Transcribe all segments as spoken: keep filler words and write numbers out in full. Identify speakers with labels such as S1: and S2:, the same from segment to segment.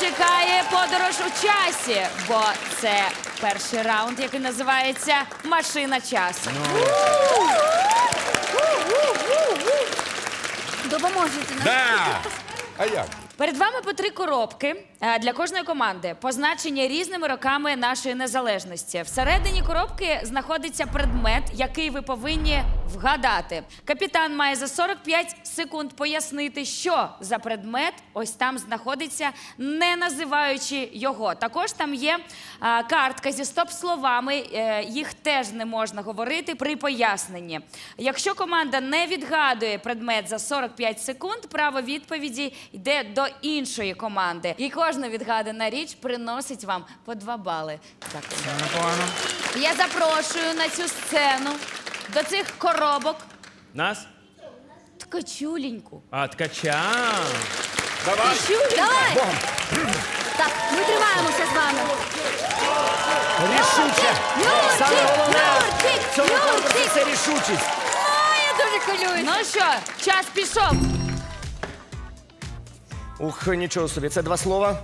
S1: чекає подорож у часі, бо це перший раунд, який називається «Машина часу».
S2: Допоможете нам.
S3: Да! А як?
S1: Перед вами по три коробки е, для кожної команди, позначені різними роками нашої незалежності. Всередині коробки знаходиться предмет, який ви повинні вгадати. Капітан має за сорок п'ять секунд пояснити, що за предмет ось там знаходиться, не називаючи його. Також там є е, картка зі стоп-словами, е, їх теж не можна говорити при поясненні. Якщо команда не відгадує предмет за сорок п'ять секунд, право відповіді йде до іншої команди. І кожна відгадана річ приносить вам по два бали. Дякую.
S4: Непогано.
S1: Я запрошую на цю сцену до цих коробок
S4: Нас?
S1: ткачуленьку.
S4: А, ткача.
S3: Давай!
S2: Давай! Так, ми тримаємося з вами.
S5: Рішуче. Саме головне
S2: Юрчик,
S5: в цьому конкурсі
S2: Юрчик.
S5: це рішучість.
S2: Ой, я дуже хвилююсь.
S1: Ну що, час пішов.
S5: Ух, нічого собі, це два слова.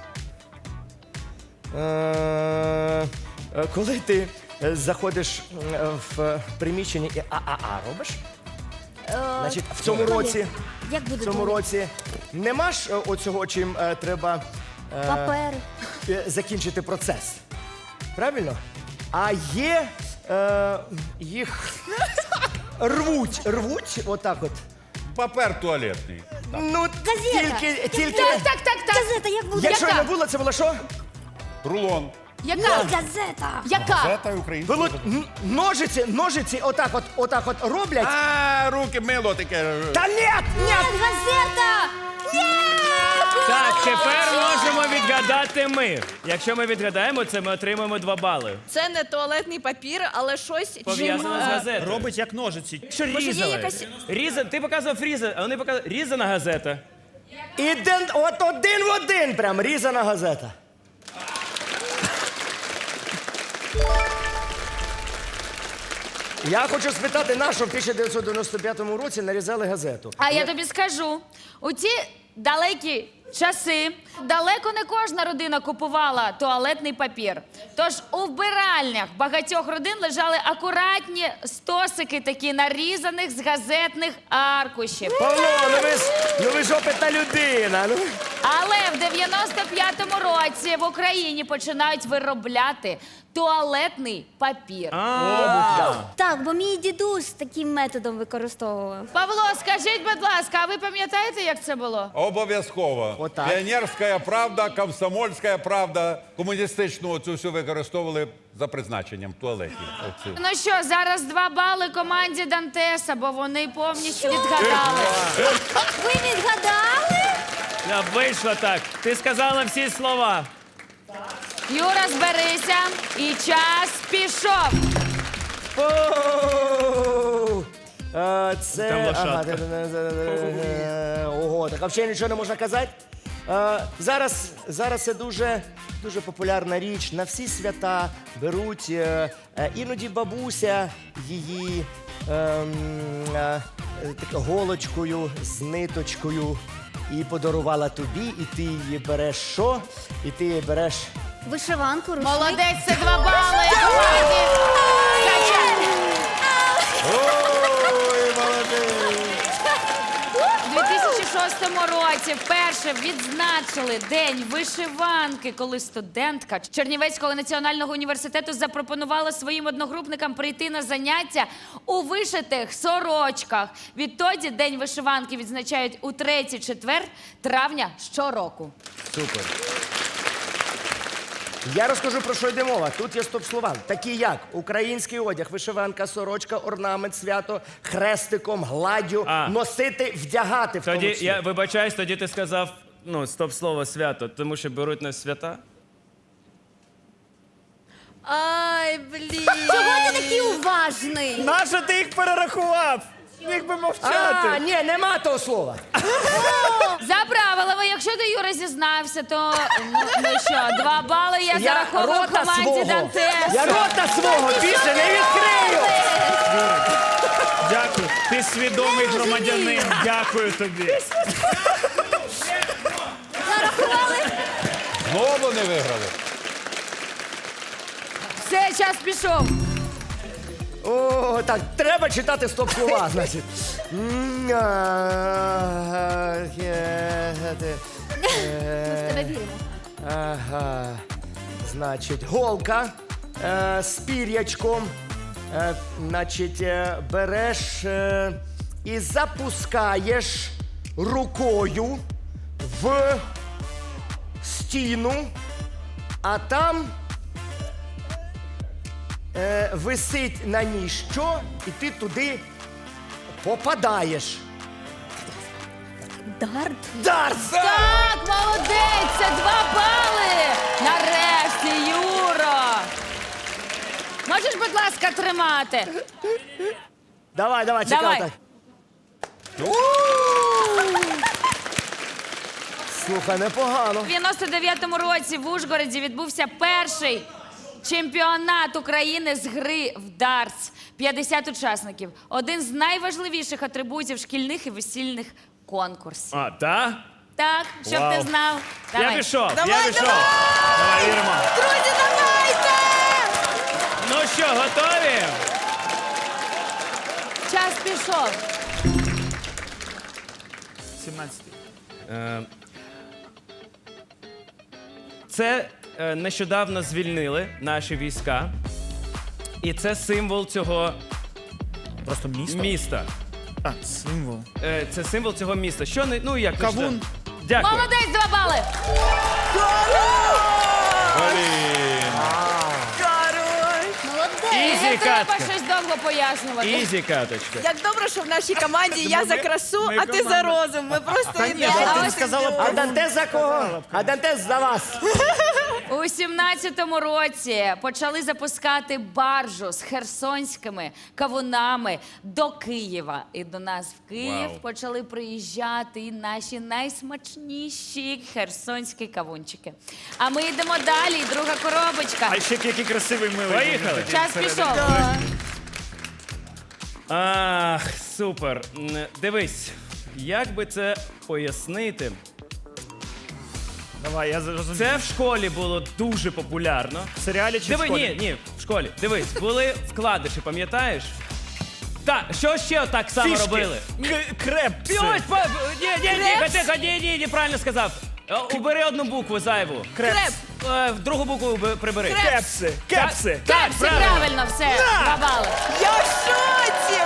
S5: Е, е, Коли ти е, заходиш е, в приміщення і а-а-а робиш, значить, в цьому році,
S2: Як буде
S5: в цьому
S2: далі?
S5: році нема ж е, оцього, чим е, треба е,
S2: Папери.
S5: е, закінчити процес. Правильно? А є е, їх рвуть, рвуть, отак от.
S3: Папер туалетний.
S5: Ну,
S2: Газета.
S5: тільки, тільки...
S1: Так, так, так, так.
S2: Газета, як буде?
S5: Якщо
S1: Яка?
S5: не було, це було що?
S3: Рулон.
S1: Яка?
S2: Ні, газета.
S1: Яка?
S3: Газета українська.
S5: Було н- ножиці, ножиці отак от, отак от роблять.
S3: А, руки мило таке.
S5: Та ні, ні!
S2: Ні, газета. Ні!
S4: Так, тепер можемо відгадати ми. Якщо ми відгадаємо це, ми отримаємо два бали.
S6: Це не туалетний папір, але щось
S4: Пов'язано з газетою.
S7: Робить як ножиці.
S4: Що
S6: Може, є
S4: різали?
S6: якась-
S4: Різа... Ти показував різа, а вони показали різана газета.
S5: І ден, от один в один прям різана газета. Я хочу спитати, на що в тисяча дев'ятсот дев'яносто п'ятому році нарізали газету?
S1: А я тобі скажу, у ті далекі часи далеко не кожна родина купувала туалетний папір. Тож у вбиральнях багатьох родин лежали акуратні стосики такі нарізаних з газетних аркушів.
S5: Павло, ну ви ж, ну ви ж опитна людина. Ну.
S1: Але в дев'яносто п'ятому році в Україні починають виробляти туалетний папір.
S2: Так, бо мій дідусь таким методом використовував.
S1: Павло, скажіть, будь ласка, а ви пам'ятаєте, як це було?
S3: Обов'язково.
S5: Отак.
S3: Піонерська правда, комсомольська правда, комуністичну цю всю використовували за призначенням туалетів. Оцю.
S1: Ну що, зараз два бали команді Дантеса, бо вони повністю відгадали.
S2: Ви відгадали?
S4: А, вийшло так. Ти сказала всі слова.
S1: Юра, зберися, і час пішов.
S5: Оу! А, це...
S4: Там лошадка.
S5: Ага, де-де-де-де-де-де. Ого, так взагалі нічого не можна казати. А, зараз, зараз це дуже, дуже популярна річ. На всі свята беруть, е, е, іноді бабуся її ем, е, так, голочкою з ниточкою і подарувала тобі, і ти її береш що? І ти її береш...
S2: Вишиванку, рушник.
S1: Молодець, це два бали команді. Кача.
S5: Ой, молодець!
S1: У дві тисячі шостому році вперше відзначили День вишиванки, коли студентка Чернівецького національного університету запропонувала своїм одногрупникам прийти на заняття у вишитих сорочках. Відтоді День вишиванки відзначають у третій четвер травня щороку.
S5: Супер. Я розкажу, про що йде мова. Тут є стоп-слова. Такі як український одяг, вишиванка, сорочка, орнамент, свято, хрестиком, гладдю,
S4: А.
S5: носити, вдягати в тому
S4: Тоді
S5: числі.
S4: я вибачаюсь, тоді ти сказав ну, стоп-слово свято, тому що беруть на свята.
S6: Ай, блін.
S2: Чого ти такий уважний?
S7: Нащо ти їх перерахував? Міг би
S5: А,
S7: мовчати.
S5: ні, нема того слова.
S1: За правилами, якщо ти, Юра, зізнався, то ну, ну що, два бали я,
S5: Я
S1: зараховую
S5: рота
S1: команді
S5: свого,
S1: Дантеса.
S5: я рота свого більше не відкрию.
S7: Дякую. Ти свідомий громадянин. Дякую тобі.
S2: Зарахували?
S3: Знову не виграли.
S1: Все, час пішов.
S5: О, так, треба читати стоп-слова, значить. М, а, е, е,
S2: Ми в тебе віримо.
S5: Ага. Значить, голка е, з пір'ячком. Е, значить, е, береш е, і запускаєш рукою в стіну, а там е, висить на ній що, і ти туди попадаєш.
S2: Дарт.
S5: Дарс!
S1: Так, молодець, це два бали. Нарешті, Юра. Можеш, будь ласка, тримати?
S5: Давай, давай, чекай
S1: Давай.
S5: так. Слухай, непогано.
S1: У дев'яносто дев'ятому році в Ужгороді відбувся перший чемпіонат України з гри в дартс. п'ятдесят учасників. Один з найважливіших атрибутів шкільних і весільних конкурсів.
S4: А, та?
S1: Так, щоб
S4: Вау.
S1: ти знав.
S4: Я
S1: Давай.
S4: пішов, я
S6: Давай,
S4: пішов.
S6: давай!
S4: Давай, віримо.
S6: Друзі, давайте!
S4: Ну що, готові?
S1: Час пішов.
S7: сімнадцятий.
S4: Е, Це е, нещодавно звільнили наші війська. І це символ цього
S7: Просто місто?
S4: міста.
S7: А, символ.
S4: Е, Це символ цього міста. Що не. Ну як
S7: Кавун.
S4: нещодавно? Дякую.
S1: Молодець, два бали.
S3: Блін.
S6: Король!
S4: Ізі
S1: Не треба
S4: катка.
S1: щось довго пояснювати.
S4: Ізі каточка.
S6: Як добре, що в нашій команді я за красу,
S7: ми
S6: а ти за
S7: команда.
S6: розум. Ми просто
S7: Та ні,
S6: ідеально.
S7: ти не сказала
S5: А
S7: про
S5: Дантес за кого? А Дантес за вас.
S1: У сімнадцятому році почали запускати баржу з херсонськими кавунами до Києва. І до нас в Київ
S4: Вау.
S1: почали приїжджати і наші найсмачніші херсонські кавунчики. А ми йдемо далі. Друга коробочка.
S7: А ще який красивий милий.
S4: Поїхали.
S1: Час пішов.
S4: Ах, супер. М, Дивись, як би це пояснити?
S7: Давай, я зрозумів.
S4: Це в школі було дуже популярно.
S7: В серіалі чи в
S4: Диви,
S7: школі?
S4: ні, ні, в школі. Дивись, були вкладиші, пам'ятаєш? Так, що ще так само
S7: Фішки.
S4: робили?
S7: К- Крепси.
S4: Ось, по- ні, ні, ні, тихо, ні, ні, ні, правильно сказав. Е, Убери одну букву зайву.
S6: Креп!
S4: Е, Другу букву уби- прибери.
S7: Кепси. Кепси.
S4: Так,
S1: Всі
S4: правильно.
S1: правильно, все. Два бали.
S6: Я в шоці!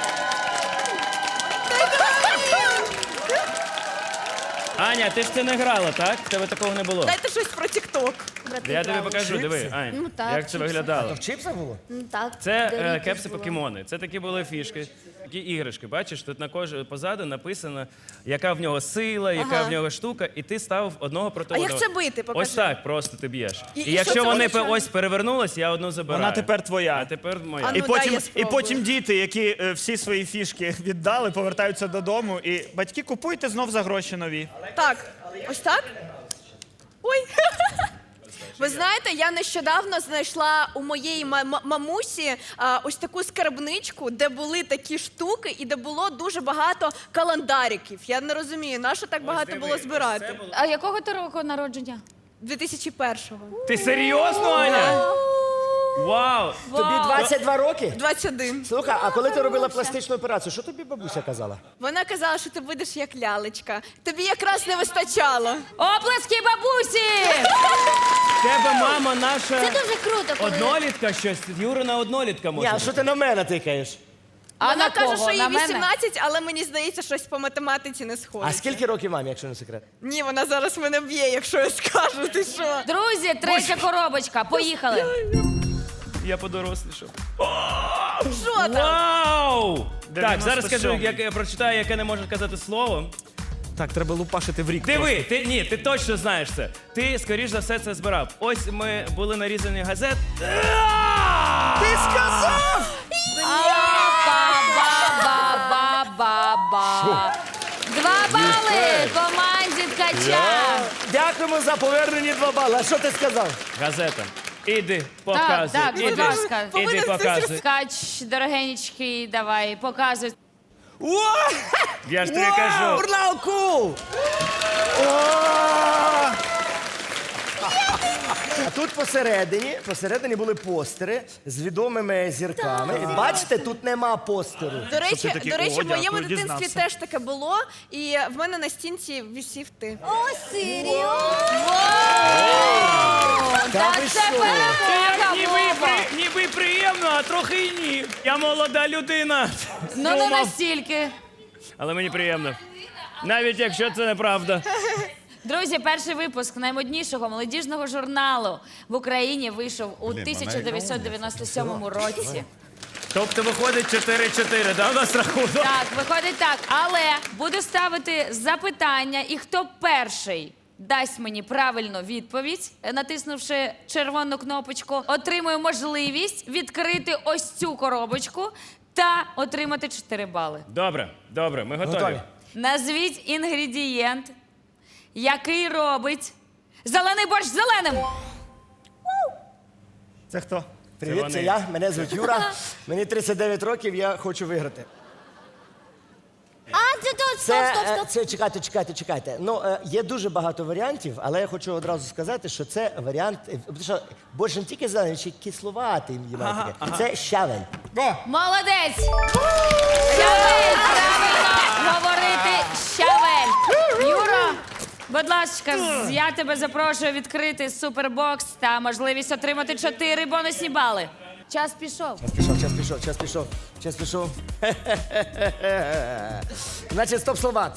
S4: Аня, ти ж це не грала, так? В тебе такого не було.
S6: Дайте щось про Тік-Ток.
S2: Брати
S4: Я тобі
S2: правила.
S4: покажу, диви, Ань,
S2: Ну так,
S4: як це
S2: чіпси.
S4: виглядало.
S5: В чипсах було?
S2: Ну, так.
S4: Це е,
S2: Doritos
S4: кепси
S2: було.
S4: покемони. Це такі були фішки, такі іграшки. Бачиш, тут на кож... позаду написано, яка в нього сила, яка
S6: Ага.
S4: в нього штука, і ти ставив одного проти
S6: А як
S4: одного.
S6: це бити? Покажи.
S4: Ось так, просто ти б'єш.
S6: І-
S4: І,
S6: і що
S4: якщо
S6: це
S4: вони
S6: означає?
S4: пе- ось перевернулись, я одну забираю.
S7: Вона тепер твоя.
S4: А тепер моя.
S6: А
S7: І
S6: ну, дай
S7: потім,
S6: я
S7: і
S6: спробую.
S7: потім діти, які е, всі свої фішки віддали, повертаються додому. І батьки, купуйте знов за гроші нові.
S6: Так, ось так? Ой. Ви знаєте, я нещодавно знайшла у моєї ма- ма- мамусі а, ось таку скарбничку, де були такі штуки і де було дуже багато календариків. Я не розумію, на що так багато було збирати?
S1: А якого ти року народження?
S6: дві тисячі першого.
S4: Ти серйозно, Аня? Вау!
S5: Тобі двадцять два роки?
S6: двадцять один.
S5: Слухай, а коли ти робила пластичну операцію, що тобі бабуся казала?
S6: Вона казала, що ти будеш як лялечка. Тобі якраз не вистачало.
S1: Оплески бабусі!
S4: В тебе мама наша
S2: Це дуже круто, коли...
S4: однолітка щось. Юрина однолітка
S5: Ні,
S4: може.
S5: а
S4: бути.
S5: що ти на мене тикаєш?
S1: А
S6: Вона
S1: на
S6: каже,
S1: кого?
S6: що їй
S1: На мене?
S6: вісімнадцять, але мені здається, щось по математиці не
S5: А
S6: сходить.
S5: скільки років мамі, якщо не секрет?
S6: Ні, вона зараз мене б'є, якщо я скажу. Ти що?
S1: Друзі, третя коробочка. Поїхали.
S4: Я подорослішав.
S6: Що там?
S4: Вау! Так,
S7: дев'яносто
S4: зараз скажу,
S7: сьомий.
S4: як я прочитаю, яке не може казати слово.
S7: Так, треба лупашити в рік.
S4: Диви, ти ні, ти точно знаєш це. Ти, скоріш за все, це збирав. Ось ми були нарізані газет.
S7: Ти сказав!
S1: Ба-ба-ба-ба-ба. Два бали команді Ткача.
S5: Дякуємо за повернені два бали. А що ти сказав?
S4: Газета. Іди, показуй.
S1: так, будь
S4: іди,
S1: ласка.
S4: іди,
S6: Повинен
S4: показуй.
S1: Ткач, дорогенечкий, давай, показуй.
S5: О!
S4: Я ж тобі кажу.
S5: Урлауку! А тут посередині, посередині були постери з відомими зірками. І бачите, тут нема постеру.
S6: До речі,
S7: ти такий,
S6: до речі,
S7: «О,
S6: в моєму
S7: дякую,
S6: дитинстві
S7: дізнався».
S6: теж таке було, і в мене на стінці висів ти.
S2: О, серйозно?
S5: Та ви
S1: це
S5: що?
S1: перемога,
S4: Ніби, і
S1: Вова.
S4: при, ніби і приємно, а трохи і ні. Я молода людина.
S1: Ну не
S4: Думав.
S1: настільки.
S4: Але мені приємно. Навіть якщо це неправда.
S1: Друзі, перший випуск наймоднішого молодіжного журналу в Україні вийшов у тисяча дев'ятсот дев'яносто сьомому році.
S4: Тобто виходить чотири-чотири, да, у нас рахунок?
S1: Так, виходить так. Але буду ставити запитання, і хто перший дасть мені правильну відповідь, натиснувши червону кнопочку, отримує можливість відкрити ось цю коробочку та отримати чотири бали.
S4: Добре, добре, ми готові.
S5: Готові.
S1: Назвіть інгредієнт, який робить зелений борщ зеленим.
S7: Це хто?
S5: Привіт,
S4: вони.
S5: це я. Мене звуть Юра. Мені тридцять дев'ять років, я хочу виграти.
S2: А, це тут, стоп,
S5: Це,
S2: стоп,
S5: е,
S2: стоп.
S5: це чекайте, чекайте, чекайте. Ну, е, є дуже багато варіантів, але я хочу одразу сказати, що це варіант, е, тому що борщ не тільки зелений, ще й кисловатий. Ага, ага. Це щавель.
S1: Молодець! Щавель! Правильно говорити щавель! Юра, будь ласка, з- я тебе запрошую відкрити супербокс та можливість отримати чотири бонусні бали. Час пішов.
S5: Час пішов, час пішов, час пішов, час пішов. Значить, стоп слова.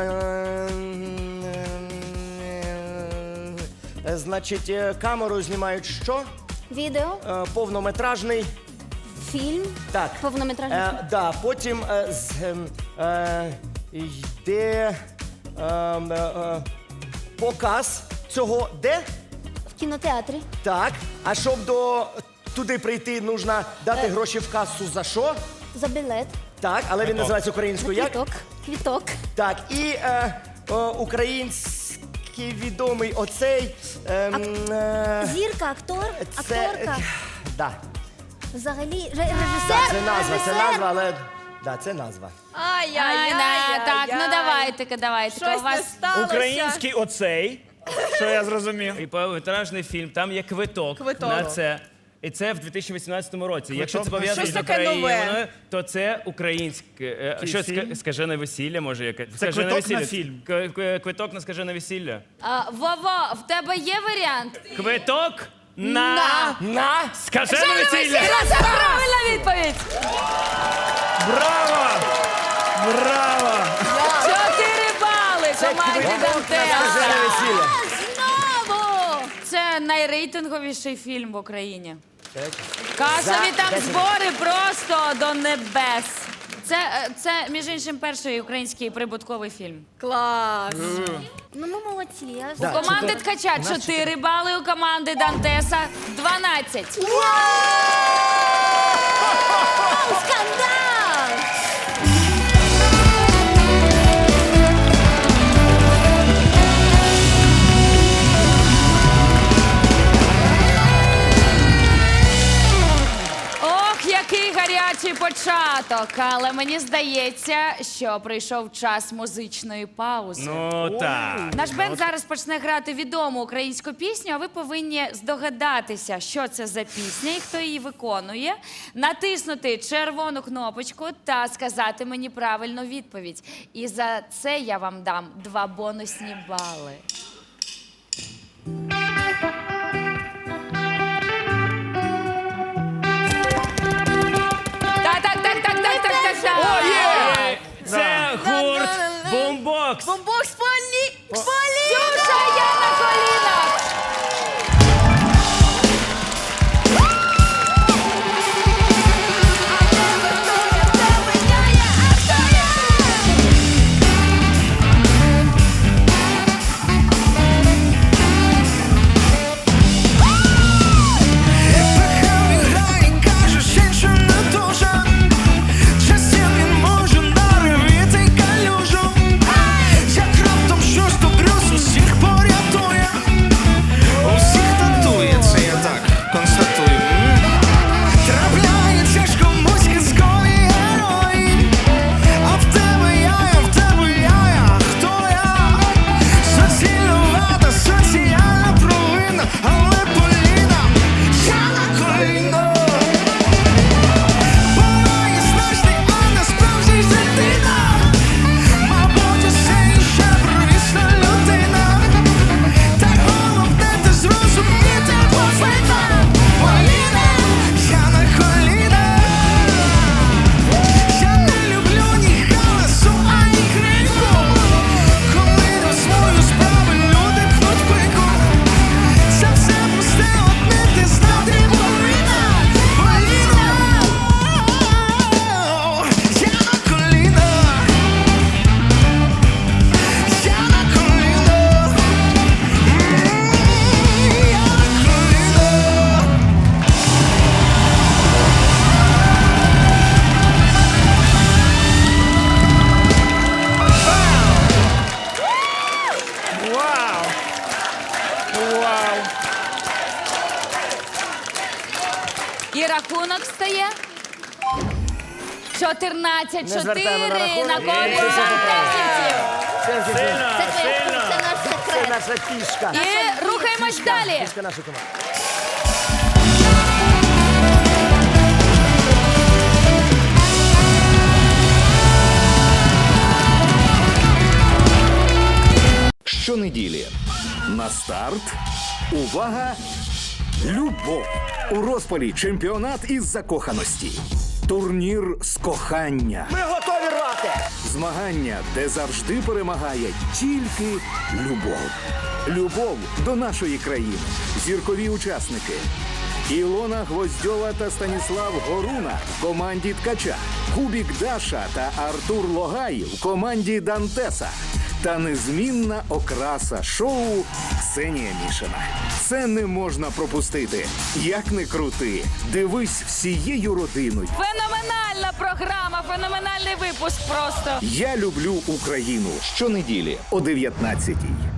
S5: Е, Значить, е, камерою знімають що?
S2: Відео,
S5: Е, Повнометражний.
S2: фільм,
S5: Так.
S2: повнометражний фільм.
S5: Е, да, потім е, з, ем, е, йде ем, е, е, показ цього де?
S2: В кінотеатрі.
S5: Так. А щоб до туди прийти, потрібно дати гроші в касу за що?
S2: За білет.
S5: Так, але він називається українською як?
S2: Квіток. Квіток.
S5: Так, і е, е, український відомий оцей. Ем, е,
S2: Зірка, актор,
S5: це,
S2: акторка.
S5: е, да,
S2: Взагалі, ре-
S5: да,
S2: режисер.
S5: це назва, це
S2: режисер.
S5: назва, але да, це назва.
S1: Ай,
S6: Ай-яй-яй.
S1: да, так, ну давайте-ка, давайте-ка.
S6: Щось
S1: У
S6: не
S1: вас
S6: сталося.
S7: Український оцей. Що я зрозумів?
S4: І повнометражний фільм, там є квиток,
S6: Квиток.
S4: на це. І це в дві тисячі вісімнадцятому році. Якщо це
S7: на
S4: пов'язано
S6: щось
S4: з
S6: таке нове.
S4: Україною, то це українське. е,
S7: Який
S4: Що
S7: фільм?
S4: ска- скажене весілля, може яке?
S7: Це
S4: Скажене
S7: квиток на
S4: весілля.
S7: фільм.
S4: К- к- Квиток на скажене весілля.
S1: А, Вово, в тебе є варіант?
S4: Квиток на,
S5: На!
S4: скажене весілля.
S1: Це правильна відповідь!
S7: Браво! Браво!
S1: Чотири бали команді
S5: Скажене
S1: Дантеса.
S5: весілля.
S2: Знову!
S1: Це найрейтинговіший фільм в Україні. Касові
S5: За
S1: там
S5: десять.
S1: збори просто до небес. Це, е, це, між іншим, перший український прибутковий фільм.
S6: Клас.
S2: Ну, ми молодці. Я...
S5: Да.
S1: У команди Ткача чотири бали, у команди Дантеса дванадцять.
S2: Скандал!
S1: Ох, який гарячий початок! Але мені здається, що прийшов час музичної паузи.
S4: Ну так.
S1: Наш бенд зараз почне грати відому українську пісню, а ви повинні здогадатися, що це за пісня і хто її виконує, натиснути червону кнопочку та сказати мені правильну відповідь. І за це я вам дам два бонусні бали. Так, так, так, так, так, так, так, так.
S4: О, є! Це гурт Бумбокс.
S6: Бомбокс Полі... Полі...
S1: Ксюша, я на колінах!
S8: Грає, каже, ще що не дуже. Щастя він може наривити калюжу. Як раптом щось добрю
S1: рахунок стає. чотирнадцять
S5: Не звертаємо на
S1: чотири на
S5: рахунок.
S1: користь
S5: Це
S1: дантесівців.
S5: Це, це,
S4: Сильно,
S2: Це твоя
S4: сильно.
S2: це наш
S5: це
S2: секрет.
S5: наша фішка.
S1: І рухаємось далі.
S5: Фішка нашої команди.
S9: Щонеділі на старт. Увага! Любов! У розпалі чемпіонат із закоханості. Турнір з кохання.
S5: Ми готові рвати!
S9: Змагання, де завжди перемагає тільки любов. Любов до нашої країни. Зіркові учасники. Ілона Гвоздьова та Станіслав Горуна в команді Ткача. Кубік Даша та Артур Логай в команді Дантеса. Та незмінна окраса шоу Ксенія Мішина. Це не можна пропустити. Як не крути, дивись всією родиною.
S1: Феноменальна програма, феноменальний випуск просто.
S9: Я люблю Україну. Щонеділі о дев'ятнадцятій.